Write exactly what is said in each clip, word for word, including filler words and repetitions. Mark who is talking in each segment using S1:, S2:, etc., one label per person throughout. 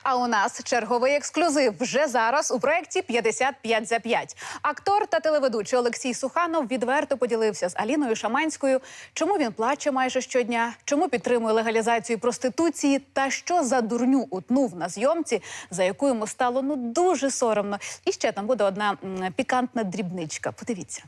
S1: А у нас черговий ексклюзив вже зараз у проєкті «п'ятдесят п'ять за п'ять». Актор та телеведучий Олексій Суханов відверто поділився з Аліною Шаманською, чому він плаче майже щодня, чому підтримує легалізацію проституції та що за дурню утнув на зйомці, за яку йому стало ну дуже соромно. І ще там буде одна м, пікантна дрібничка. Подивіться.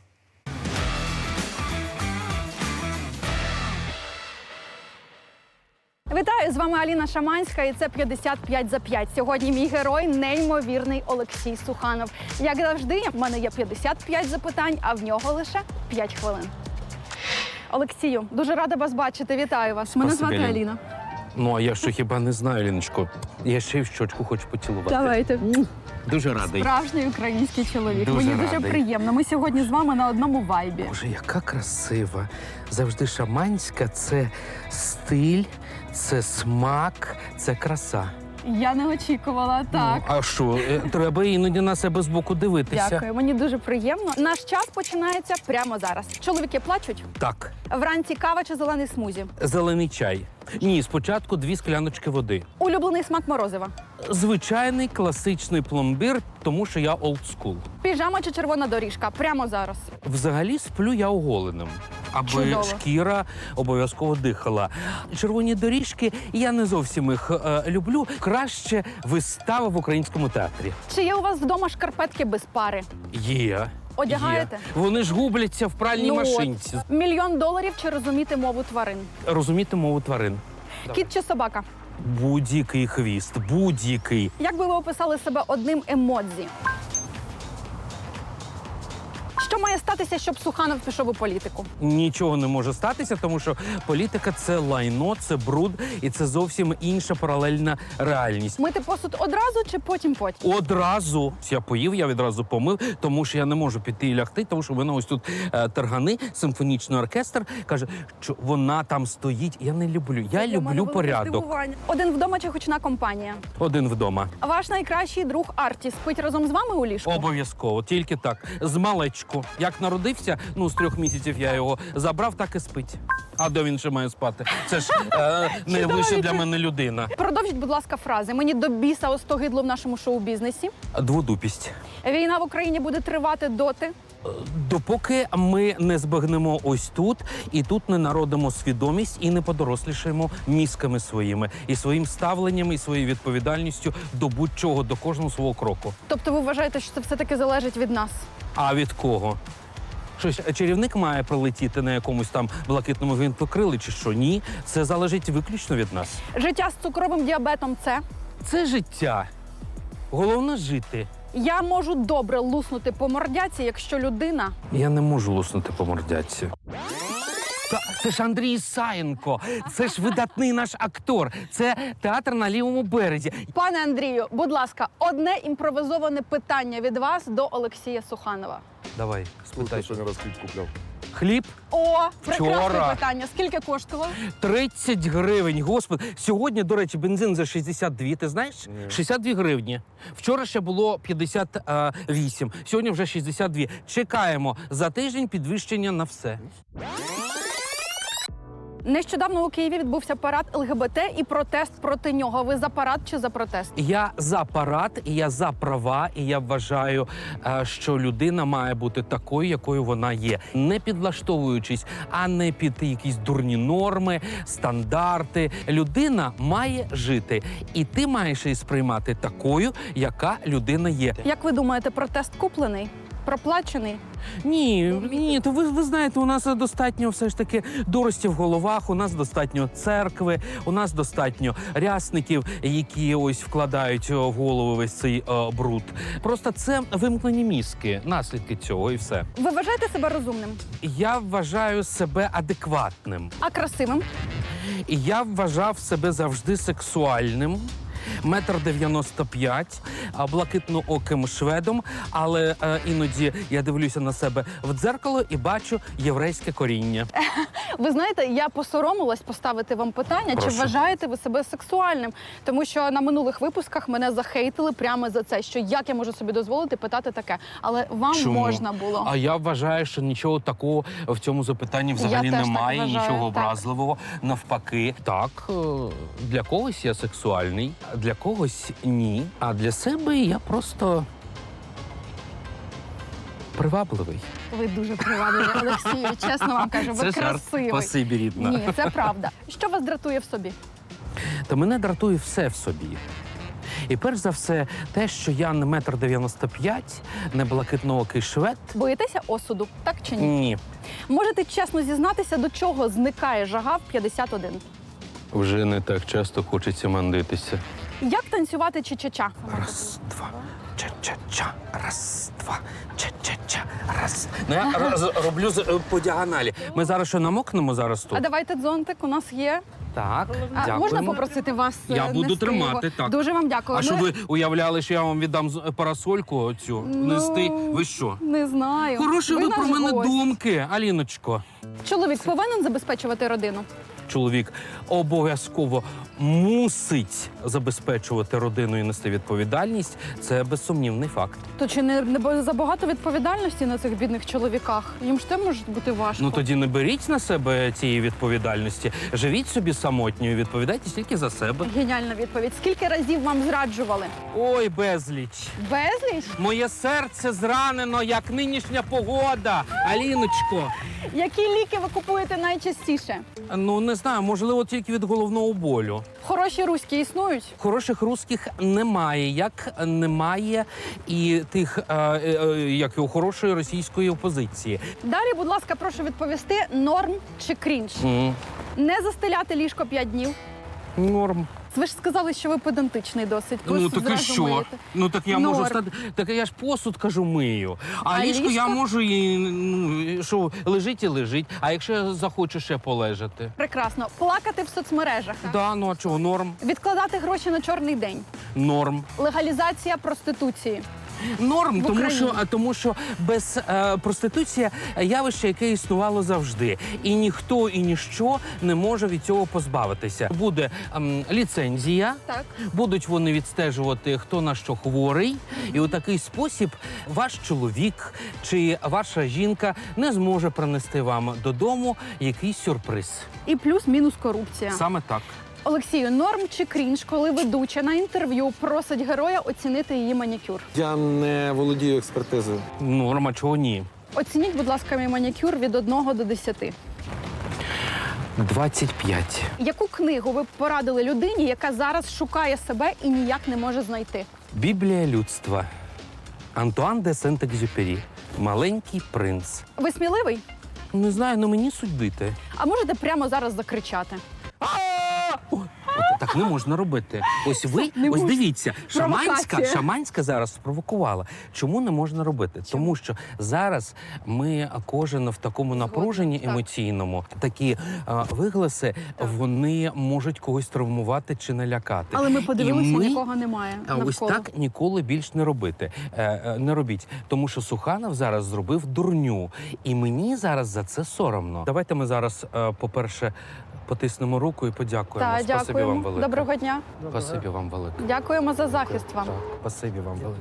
S2: Вітаю, з вами Аліна Шаманська і це «п'ятдесят п'ять за п'ять». Сьогодні мій герой – неймовірний Олексій Суханов. Як завжди, в мене є п'ятдесят п'ять запитань, а в нього лише п'ять хвилин. Олексію, дуже рада вас бачити. Вітаю вас. Мене
S3: Спасибі,
S2: звати
S3: Аліна.
S2: Аліна.
S3: Ну, а я що хіба не знаю, Ліночко. Я ще й в щочку хочу поцілувати.
S2: Давайте.
S3: Дуже радий.
S2: Справжній український чоловік.
S3: Дуже
S2: Мені дуже
S3: радий.
S2: приємно. Ми сьогодні з вами на одному вайбі.
S3: Боже, яка красива. Завжди шаманська – це стиль, це смак, це краса.
S2: Я не очікувала, так.
S3: Ну, а що, е, треба іноді на себе збоку дивитися.
S2: Дякую, мені дуже приємно. Наш час починається прямо зараз. Чоловіки плачуть?
S3: Так,
S2: Вранці кава чи зелений смузі?
S3: зелений чай. Ні, спочатку дві скляночки води.
S2: Улюблений смак морозива?
S3: Звичайний класичний пломбір, тому що я олдскул.
S2: Піжама чи червона доріжка? Прямо зараз.
S3: Взагалі сплю я оголеним, аби
S2: Чудово.
S3: шкіра обов'язково дихала. Червоні доріжки, я не зовсім їх е, люблю. Краще вистава в українському театрі.
S2: Чи є у вас вдома шкарпетки без пари?
S3: Є.
S2: Одягаєте?
S3: Є. Вони ж губляться в пральній
S2: Ну от.
S3: машинці.
S2: Мільйон доларів чи розуміти мову тварин?
S3: Розуміти мову тварин.
S2: Кіт чи собака?
S3: Будь-який хвіст, будь-який.
S2: Як би ви описали себе одним емодзі? Що має статися, щоб Суханов пішов у політику?
S3: Нічого не може статися, тому що політика – це лайно, це бруд, і це зовсім інша паралельна реальність.
S2: Мити посуд одразу чи потім-потім?
S3: Одразу я поїв, я відразу помив, тому що я не можу піти і лягти, тому що в мене ось тут е, тергани, симфонічний оркестр каже, що вона там стоїть. Я не люблю. Я люблю порядок.
S2: Один вдома чи гучна компанія?
S3: Один вдома.
S2: Ваш найкращий друг Арті спить разом з вами у ліжку?
S3: Обов'язково, тільки так. З малечку. Як народився, ну з трьох місяців я його забрав, так і спить. А де він ще має спати? Це ж е, найвища для мене людина.
S2: Продовжіть, будь ласка, фрази. Мені до біса остогидло в нашому шоу-бізнесі.
S3: Дводупість.
S2: Війна в Україні буде тривати доти.
S3: Допоки ми не збагнемо ось тут, і тут не народимо свідомість, і не подорослішаємо мізками своїми, і своїм ставленням, і своєю відповідальністю до будь-чого, до кожного свого кроку.
S2: Тобто ви вважаєте, що це все-таки залежить від нас?
S3: А від кого? Щось чарівник має прилетіти на якомусь там блакитному гвинтокрилі чи що? Ні, це залежить виключно від нас.
S2: Життя з цукровим діабетом – це?
S3: Це життя. Головне жити.
S2: Я можу добре луснути по мордяці, якщо людина...
S3: Я не можу луснути по мордяці. Та, це ж Андрій Ісаєнко, це ж видатний наш актор, це театр на лівому березі.
S2: Пане Андрію, будь ласка, одне імпровизоване питання від вас до Олексія Суханова.
S3: Давай, спитай.
S4: Сьогодні раз хліб купляв.
S3: Хліб
S2: О, прекрасне
S3: Вчора.
S2: питання. Скільки коштував?
S3: тридцять гривень, господи. Сьогодні, до речі, бензин за шістдесят дві, ти знаєш?
S4: Ні.
S3: шістдесят дві гривні. Вчора ще було п'ятдесят вісім, сьогодні вже шістдесят дві. Чекаємо за тиждень підвищення на все.
S2: Нещодавно у Києві відбувся парад ел ге бе те і протест проти нього. Ви за парад чи за протест?
S3: Я за парад, і я за права, і я вважаю, е, що людина має бути такою, якою вона є. Не підлаштовуючись, а не під якісь дурні норми, стандарти. Людина має жити, і ти маєш її сприймати такою, яка людина є.
S2: Як ви думаєте, протест куплений? Проплачений?
S3: Ні, ні, то ви, ви знаєте, у нас достатньо все ж таки дурості в головах, у нас достатньо церкви, у нас достатньо рясників, які ось вкладають в голову весь цей е, бруд. Просто це вимкнені мізки, наслідки цього і все.
S2: Ви вважаєте себе розумним?
S3: Я вважаю себе адекватним.
S2: А красивим?
S3: І я вважав себе завжди сексуальним. Метр дев'яносто п'ять, а, блакитнооким шведом, але е, іноді я дивлюся на себе в дзеркало і бачу єврейське коріння.
S2: Ви знаєте, я посоромилась поставити вам питання,
S3: Прошу.
S2: чи вважаєте ви себе сексуальним? Тому що на минулих випусках мене захейтили прямо за це, що як я можу собі дозволити питати таке. Але вам
S3: Чому?
S2: можна було.
S3: А я вважаю, що нічого такого в цьому запитанні взагалі
S2: Я теж так
S3: немає,
S2: вважаю,
S3: нічого
S2: так.
S3: образливого. Навпаки, так, е, для когось я сексуальний, для когось ні. А для себе я просто привабливий.
S2: Ви дуже привабливі, Олексію, чесно вам кажу, ви
S3: Це жарт.
S2: красивий.
S3: Спасибі, рідна.
S2: Ні, це правда. Що вас дратує в собі?
S3: Та мене дратує все в собі. І перш за все, те, що я не метр дев'яносто п'ять, не блакитноокий швед.
S2: Боїтеся осуду, так чи ні?
S3: Ні.
S2: Можете чесно зізнатися, до чого зникає жага в п'ятдесят один?
S3: Вже не так часто хочеться мандитися.
S2: Як танцювати ча-ча-ча?
S3: Раз, два, ча-ча-ча, раз, два, ча-ча-ча, раз. Ну, я роз, роблю з- е, по діагоналі. Ми зараз що, намокнемо зараз
S2: А
S3: тут?
S2: давайте дзонтик, у нас є.
S3: Так,
S2: А,
S3: дякуємо.
S2: можна попросити вас е,
S3: Я буду
S2: нести
S3: тримати,
S2: його?
S3: так.
S2: Дуже вам дякую.
S3: А
S2: Ми-
S3: що ви уявляли, що я вам віддам з- парасольку оцю
S2: Ну,
S3: нести? Ви що?
S2: Не знаю.
S3: Хороші ви, про
S2: наш
S3: мене
S2: гость.
S3: думки, Аліночко.
S2: Чоловік повинен забезпечувати родину?
S3: Чоловік обов'язково мусить забезпечувати родину і нести відповідальність. Це безсумнівний факт.
S2: То чи не, не бо- забагато відповідальності на цих бідних чоловіках? Їм ж те може бути важко.
S3: Ну тоді не беріть на себе цієї відповідальності. Живіть собі самотньою, відповідайте тільки за себе.
S2: Геніальна відповідь. Скільки разів вам зраджували?
S3: Ой, безліч.
S2: Безліч?
S3: Моє серце зранено, як нинішня погода. Аліночко,
S2: Які ліки ви купуєте найчастіше?
S3: ну не знаю, можливо, тільки від головного болю.
S2: Хороші руські існують?
S3: Хороших русських немає, як немає і тих, е, е, е, як і у хорошої російської опозиції.
S2: Далі, будь ласка, прошу відповісти, норм чи крінж?
S3: М,
S2: Не застеляти ліжко п'ять днів.
S3: Норм.
S2: Ви ж сказали, що ви педантичний досить. Ви
S3: Ну так і
S2: зразу
S3: що?
S2: миєте.
S3: Ну так я
S2: Норм.
S3: можу стати. Так я ж посуд кажу мию. А,
S2: А
S3: ліжко, я
S2: ліжко?
S3: можу і ну, що лежить і лежить. А якщо я захочу ще полежати?
S2: Прекрасно. Плакати в соцмережах.
S3: Да, ну а чого? Норм.
S2: Відкладати гроші на чорний день.
S3: Норм.
S2: Легалізація проституції.
S3: Норм,
S2: В
S3: тому
S2: Україні.
S3: що, а, тому що без е, проституція явище, яке існувало завжди. І ніхто і ніщо не може від цього позбавитися. Буде ем, ліцензія,
S2: Так.
S3: будуть вони відстежувати, хто на що хворий. І у такий спосіб ваш чоловік чи ваша жінка не зможе принести вам додому якийсь сюрприз.
S2: І плюс-мінус корупція.
S3: Саме так.
S2: Олексію, норм чи крінж, коли ведуча на інтерв'ю просить героя оцінити її манікюр?
S4: Я не володію експертизою.
S3: Норма, чого ні?
S2: Оцініть, будь ласка, мій манікюр від одного до десяти.
S3: двадцять п'ять.
S2: Яку книгу ви б порадили людині, яка зараз шукає себе і ніяк не може знайти?
S3: Біблія людства. Антуан де Сент-Екзюпері. Маленький принц.
S2: Ви сміливий?
S3: Не знаю, ну мені судити.
S2: А можете прямо зараз закричати?
S3: О, от так не можна робити. Ось ви,
S2: Не
S3: ось
S2: можна.
S3: дивіться, Шаманська,
S2: Провокація.
S3: Шаманська зараз спровокувала. Чому не можна робити? Тому що зараз ми кожен в такому напруженні
S2: так.
S3: емоційному, такі а, вигласи, вони можуть когось травмувати чи налякати.
S2: Але ми подивилися,
S3: І ми-
S2: нікого немає
S3: А
S2: навколо.
S3: ось так ніколи більш не робити. Е, е, не робіть. Тому що Суханов зараз зробив дурню. І мені зараз за це соромно. Давайте ми зараз, е, по-перше, потиснемо руку і подякуємо.
S2: Так,
S3: Спасибі
S2: дякуємо.
S3: вам велике.
S2: Доброго дня.
S3: Спасибі вам велике.
S2: Дякуємо за захист вам.
S3: Так, спасибі вам велике.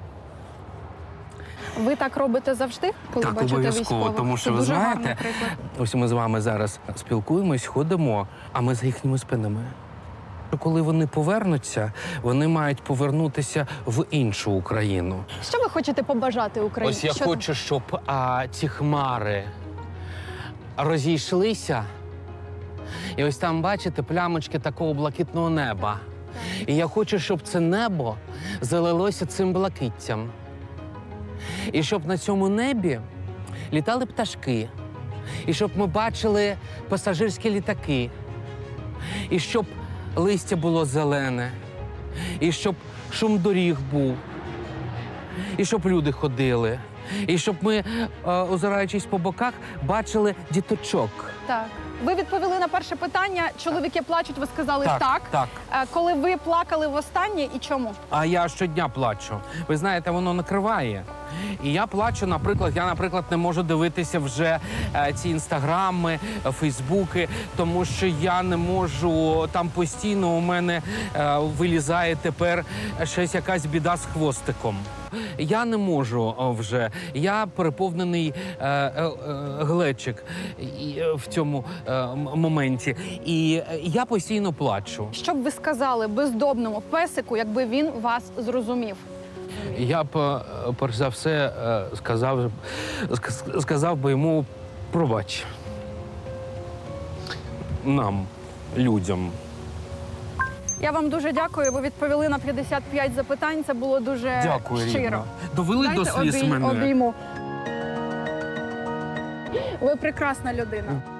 S2: Ви так робите завжди, коли
S3: Так,
S2: бачите
S3: обов'язково,
S2: військових?
S3: тому
S2: Це
S3: що ви
S2: дуже
S3: знаєте,
S2: гарний приклад.
S3: ось ми з вами зараз спілкуємось, ходимо, а ми за їхніми спинами. Коли вони повернуться, вони мають повернутися в іншу Україну.
S2: Що ви хочете побажати Україні?
S3: Ось я
S2: Що
S3: хочу, щоб а, ці хмари розійшлися. І ось там, бачите, плямочки такого блакитного неба. І я хочу, щоб це небо залилося цим блакиттям. І щоб на цьому небі літали пташки. І щоб ми бачили пасажирські літаки. І щоб листя було зелене. І щоб шум доріг був. І щоб люди ходили. І щоб ми, е, озираючись по боках, бачили діточок.
S2: Так. Ви відповіли на перше питання. Чоловіки плачуть, ви сказали так.
S3: Так, так.
S2: Е, Коли ви плакали востаннє і чому?
S3: А я щодня плачу. Ви знаєте, воно накриває. І я плачу, наприклад, я, наприклад, не можу дивитися вже е, ці інстаграми, е, фейсбуки, тому що я не можу, там постійно у мене е, вилізає тепер щось якась біда з хвостиком. Я не можу о, вже. Я переповнений е, е, е, глечик і, е, в цьому е, м- моменті. І е, я постійно плачу.
S2: Що б ви сказали бездомному песику, якби він вас зрозумів?
S3: Я б, е, перш за все, е, сказав, ск- сказав би йому пробач. Нам, людям.
S2: Я вам дуже дякую. Ви відповіли на п'ятдесят п'ять запитань. Це було дуже
S3: Дякую,
S2: щиро.
S3: Рівно. Довели до
S2: Дайте
S3: сліз
S2: обій-
S3: мене.
S2: обійму. Ви прекрасна людина.